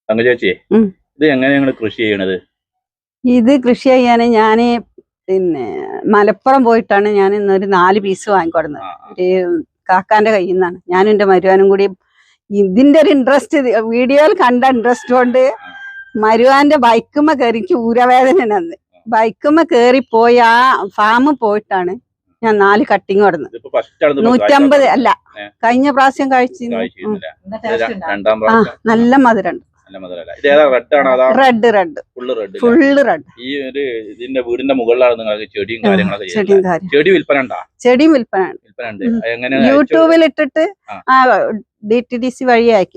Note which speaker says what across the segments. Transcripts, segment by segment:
Speaker 1: ചേച്ചി ഇത് എങ്ങനെയാണ് കൃഷി ചെയ്യണത്?
Speaker 2: ഇത് കൃഷി ചെയ്യാന് ഞാന് പിന്നെ മലപ്പുറം പോയിട്ടാണ് ഞാൻ ഇന്നൊരു 4 പീസ് വാങ്ങിക്കൊടുന്നത്. ഒരു കാക്കാന്റെ കയ്യിൽ നിന്നാണ്. ഞാനും എന്റെ മരുവാനും കൂടി ഇതിന്റെ ഒരു ഇൻട്രസ്റ്റ്, വീഡിയോയിൽ കണ്ട ഇൻട്രസ്റ്റ് കൊണ്ട് മരുവാന്റെ ബൈക്കുമ്മ കയറി, എനിക്ക് ഊരവേദന അന്ന് ബൈക്കുമ്മ കേറിപ്പോയി ആ ഫാമിൽ പോയിട്ടാണ് ഞാൻ 4 കട്ടിങ് കൊടുന്നത്. 150 അല്ല, കഴിഞ്ഞ പ്രാവശ്യം കഴിച്ചു. നല്ല മധുരണ്ട്. Red full red.
Speaker 1: ഇതിന്റെ വീടിന്റെ മുകളിലാണ് നിങ്ങൾക്ക് ചെടിയും കാര്യങ്ങളൊക്കെ. ചെടിയും വിൽപ്പന
Speaker 2: യൂട്യൂബിൽ ഇട്ടിട്ട് DTDC വഴി അയച്ചു.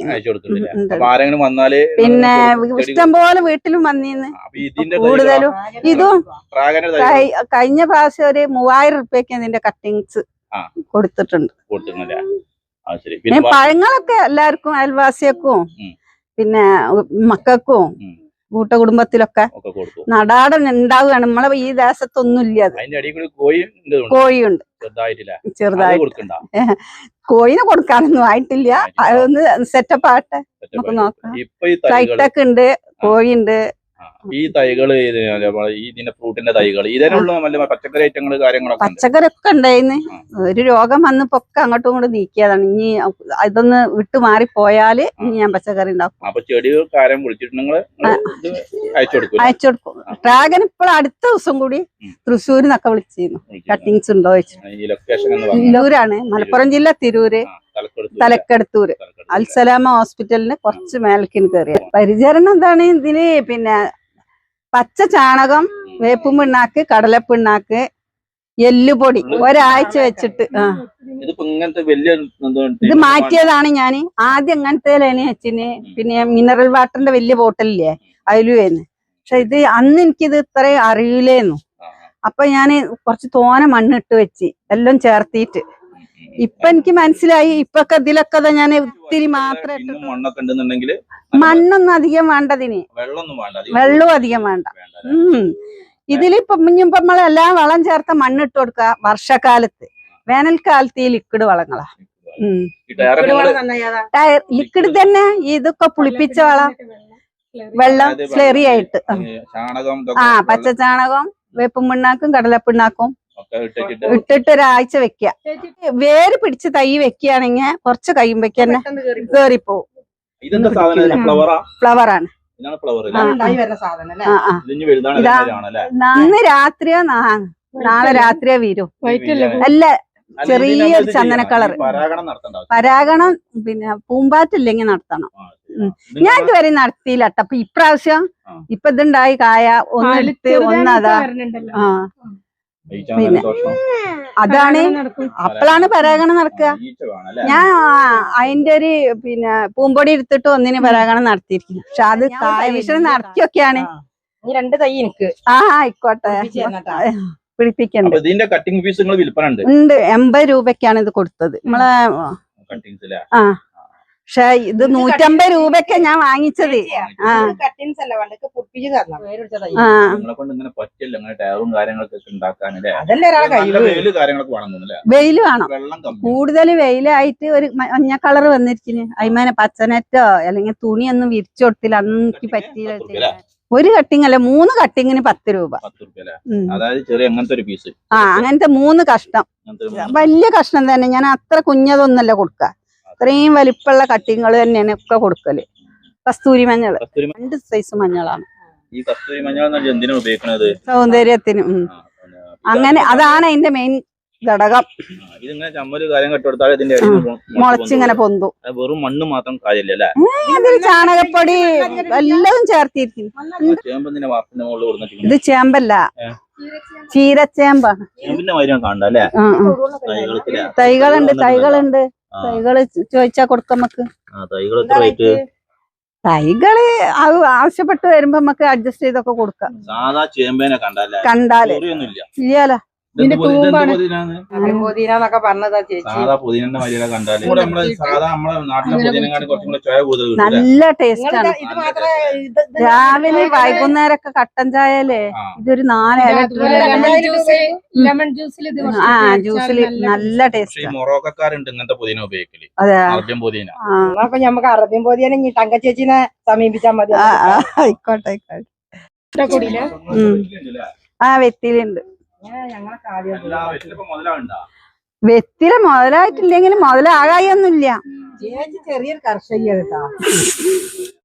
Speaker 2: പിന്നെ ഇഷ്ടംപോലെ വീട്ടിലും വന്നിന്ന്. കൂടുതലും ഇതും കഴിഞ്ഞ പ്രാവശ്യം ഒരു 3000 രൂപയ്ക്ക് ഇതിന്റെ കട്ടിങ്സ് കൊടുത്തിട്ടുണ്ട്. പിന്നെ പഴങ്ങളൊക്കെ എല്ലാവർക്കും, അയൽവാസിയക്കും പിന്നെ മക്കൾക്കും കൂട്ടകുടുംബത്തിലൊക്കെ നടാടൻ ഉണ്ടാവുകയാണ്. നമ്മളെ ഈ ദേശത്തൊന്നും ഇല്ല. കോഴിയുണ്ട് ചെറുതായിട്ട്. കോഴിനെ കൊടുക്കാനൊന്നും ആയിട്ടില്ല. അതൊന്ന് സെറ്റപ്പ് ആട്ടെ, നമുക്ക് നോക്കാം. ഫ്ലൈറ്റൊക്കെ ഉണ്ട്, കോഴിയുണ്ട്.
Speaker 1: ഈ തൈകള് ഇതിന്റെ ഫ്രൂട്ടിന്റെ തൈകൾ ഇതിനുള്ള പച്ചക്കറി ഐറ്റങ്ങൾ കാര്യങ്ങളൊക്കെ
Speaker 2: പച്ചക്കറിയൊക്കെ ഉണ്ടായിന്ന്. ഒരു രോഗം വന്നപ്പോ ഒക്കെ അങ്ങോട്ടും ഇങ്ങോട്ടും നീക്കിയതാണ്. ഇനി ഇതൊന്ന് വിട്ടു മാറിപ്പോയാല് ഇനി ഞാൻ പച്ചക്കറി ഉണ്ടാക്കും.
Speaker 1: അപ്പൊ ചെടികൾ കാര്യം വിളിച്ചിട്ടുണ്ടെങ്കിൽ
Speaker 2: അയച്ചു കൊടുക്കും. ഡ്രാഗൻ ഇപ്പോൾ അടുത്ത ദിവസം കൂടി തൃശ്ശൂരിൽ നിന്നൊക്കെ വിളിച്ചിരുന്നു. കട്ടിങ്സ് ഉണ്ടോ തിരൂരാണ്, മലപ്പുറം ജില്ല തിരൂര്, തലക്കടത്തൂര് അൽസലാമ ഹോസ്പിറ്റലിന് കുറച്ച് മേലക്കിന് കയറിയ. പരിചരണം എന്താണ് ഇതിന്? പിന്നെ പച്ച ചാണകം, വേപ്പും പിണ്ണാക്ക്, കടലപ്പിണ്ണാക്ക്, എല്ലുപൊടി ഒരാഴ്ച വെച്ചിട്ട് ഇത് മാറ്റിയതാണ് ഞാൻ. ആദ്യം ഇങ്ങനത്തെ വെച്ചിന്. പിന്നെ മിനറൽ വാട്ടറിന്റെ വലിയ ബോട്ടലില്ലേ അതിലുവേന്ന്. പക്ഷെ ഇത് അന്ന് എനിക്കിത് ഇത്രയും അറിയില്ലേന്നു. അപ്പൊ ഞാന് കുറച്ച് തോന മണ്ണിട്ട് വെച്ച് എല്ലാം ചേർത്തിട്ട് ഇപ്പൊ എനിക്ക് മനസ്സിലായി. ഇപ്പൊക്കെ ഇതിലൊക്കെ ഞാൻ ഒത്തിരി മാത്രം മണ്ണൊന്നും അധികം വേണ്ടതിന്, വെള്ളവും അധികം വേണ്ട. ഇതിലിപ്പൊ നമ്മളെല്ലാം വളം ചേർത്ത മണ്ണിട്ട് കൊടുക്ക. വർഷക്കാലത്ത്, വേനൽക്കാലത്ത് ഈ ലിക്വിഡ് വളങ്ങളാ. ലിക്വിഡ് തന്നെ. ഇതൊക്കെ പുളിപ്പിച്ച വെള്ളം സ്ലെറി ആയിട്ട് പച്ച ചാണകം, വേപ്പും പിണ്ണാക്കും കടലപ്പിണ്ണാക്കും ഇട്ടിട്ട് ഒരാഴ്ച വെക്കുക. വേര് പിടിച്ച് തൈ വെക്കുകയാണെങ്കിൽ കുറച്ച് കഴിയുമ്പോഴേക്ക് തന്നെ കേറിപ്പോവും. ഫ്ലവറാണ്. ഇന്ന് രാത്രിയോ നാളെ രാത്രിയോ വീരും. അല്ല, ചെറിയൊരു ചന്ദന കളർ. പരാഗണം പിന്നെ പൂമ്പാറ്റില്ലെങ്കിൽ നടത്തണം. ഞാൻ ഇതുവരെ നടത്തിയില്ല. അപ്പൊ ഇപ്രാവശ്യം ഇപ്പൊ ഇതുണ്ടായി കായ ഒന്നെടുത്ത് ഒന്നതാ. പിന്നെ അതാണ് അപ്പോഴാണ് പരാഗണം നടക്കുക. ഞാൻ അതിന്റെ ഒരു പിന്നെ പൂമ്പൊടി എടുത്തിട്ട് ഒന്നിന് പരാഗണം നടത്തിയിരിക്കുന്നു. പക്ഷെ അത് കായവിഷയം നടത്തിയൊക്കെയാണ്.
Speaker 3: 2 തൈ എനിക്ക്
Speaker 2: ആയിക്കോട്ടെ, പിടിപ്പിക്കണ്ട്. ഉണ്ട്. 80 രൂപയ്ക്കാണ് ഇത് കൊടുത്തത് നമ്മളെ. പക്ഷെ ഇത് 150 രൂപയ്ക്ക് ഞാൻ വാങ്ങിച്ചത്. വെയില് വേണം. കൂടുതൽ വെയിലായിട്ട് ഒരു മഞ്ഞ കളർ വന്നിരിക്കുന്നു. അതിമേനെ പച്ചനെറ്റോ അല്ലെങ്കിൽ തുണിയൊന്നും വിരിച്ചു കൊടുത്തില്ല. അന്ന് എനിക്ക് പറ്റിയില്ല. ഒരു കട്ടിങ് അല്ല, 3 കട്ടിങ്ങിന് 10 രൂപ. അങ്ങനത്തെ 3 കഷ്ണം. വലിയ കഷ്ണം തന്നെ. ഞാൻ അത്ര കുഞ്ഞതൊന്നല്ല കൊടുക്ക. ഇത്രയും വലിപ്പമുള്ള കട്ടിങ്ങൾ തന്നെയാണ് ഒക്കെ കൊടുക്കല്. കസ്തൂരി മഞ്ഞൾ 2 സൈസ് മഞ്ഞളാണ്. സൗന്ദര്യത്തിനും. അങ്ങനെ അതാണ് അതിന്റെ മെയിൻ ഘടകം. മുളച്ചിങ്ങനെ പൊന്തും.
Speaker 1: വെറും മണ്ണ് മാത്രം കാര്യമില്ല.
Speaker 2: അതിൽ ചാണകപ്പൊടി എല്ലാം ചേർത്തിരിക്കും. ഇത് ചേമ്പല്ല, ചീരച്ചേമ്പാണ്. തൈകളുണ്ട്. തൈകള് ചോദിച്ചാ കൊടുക്കാം നമുക്ക്. തൈകള് ആവശ്യപ്പെട്ട് വരുമ്പോ നമുക്ക് അഡ്ജസ്റ്റ് ചെയ്തൊക്കെ കൊടുക്കാം. കണ്ടാല് ഇല്ലല്ലോ.
Speaker 3: ഇതിന്റെ
Speaker 1: ഇതെന്ത്
Speaker 3: തൂമ്പാണ്.
Speaker 1: പുതിനാന്ന്?
Speaker 3: പുതിനാന്നൊക്കെ പറഞ്ഞതാ ചേച്ചി.
Speaker 1: സാധാ പുതിനന്റെ മര്യാദ കണ്ടാല് ഇവിടെ നമ്മളെ സാധാ നമ്മളെ നാട്ടിലെ പുതിനങ്ങാട് കുറച്ചും കൂടെ ചോയ കൂടുതൽ കിട്ടൂല.
Speaker 2: നല്ല ടേസ്റ്റ്
Speaker 3: നിങ്ങള്
Speaker 2: ആണ്.
Speaker 3: ഇത് മാത്രമേ ഇത്
Speaker 2: രാവിലെ വൈകുന്നേരമൊക്കെ കട്ടൻ ചായല്ലേ
Speaker 1: ആ.
Speaker 2: ഇതൊരു 4 ഇല
Speaker 3: അതുപോലെ ലെമൺ ജ്യൂസിൽ ഇത് കുറച്ച്
Speaker 2: ആ
Speaker 3: ചേർത്താൽ
Speaker 2: ജ്യൂസിൽ
Speaker 3: നല്ല
Speaker 2: നല്ല
Speaker 1: പക്ഷെ
Speaker 2: ടേസ്റ്റ്
Speaker 1: ഈ മൊറോക്കക്കാരുണ്ട് ഇങ്ങനത്തെ പുതിന ഉപയോഗിക്കല്.
Speaker 2: അതെ
Speaker 1: അറബ്യൻ പുതിന.
Speaker 2: ആ
Speaker 3: അപ്പൊ നമുക്ക് അറബ്യൻ പൊതിയാനെ ഈ തങ്ക ചേച്ചിനെ സമീപിച്ചാൽ മതി.
Speaker 2: ആയിക്കോട്ടെ ആയിക്കോട്ടെ.
Speaker 3: കൂടിയില്ല
Speaker 2: ആ വെത്തിലുണ്ട്.
Speaker 3: ഞങ്ങളെ കാര്യം
Speaker 1: എല്ലാ വെറ്റിലിപ്പോ മുതലാവുണ്ടാ?
Speaker 2: വെത്തില മുതലായിട്ടില്ലെങ്കിലും മുതലാകായൊന്നുമില്ല.
Speaker 3: ചേച്ചി ചെറിയൊരു കർഷകയാണ് കേട്ടോ.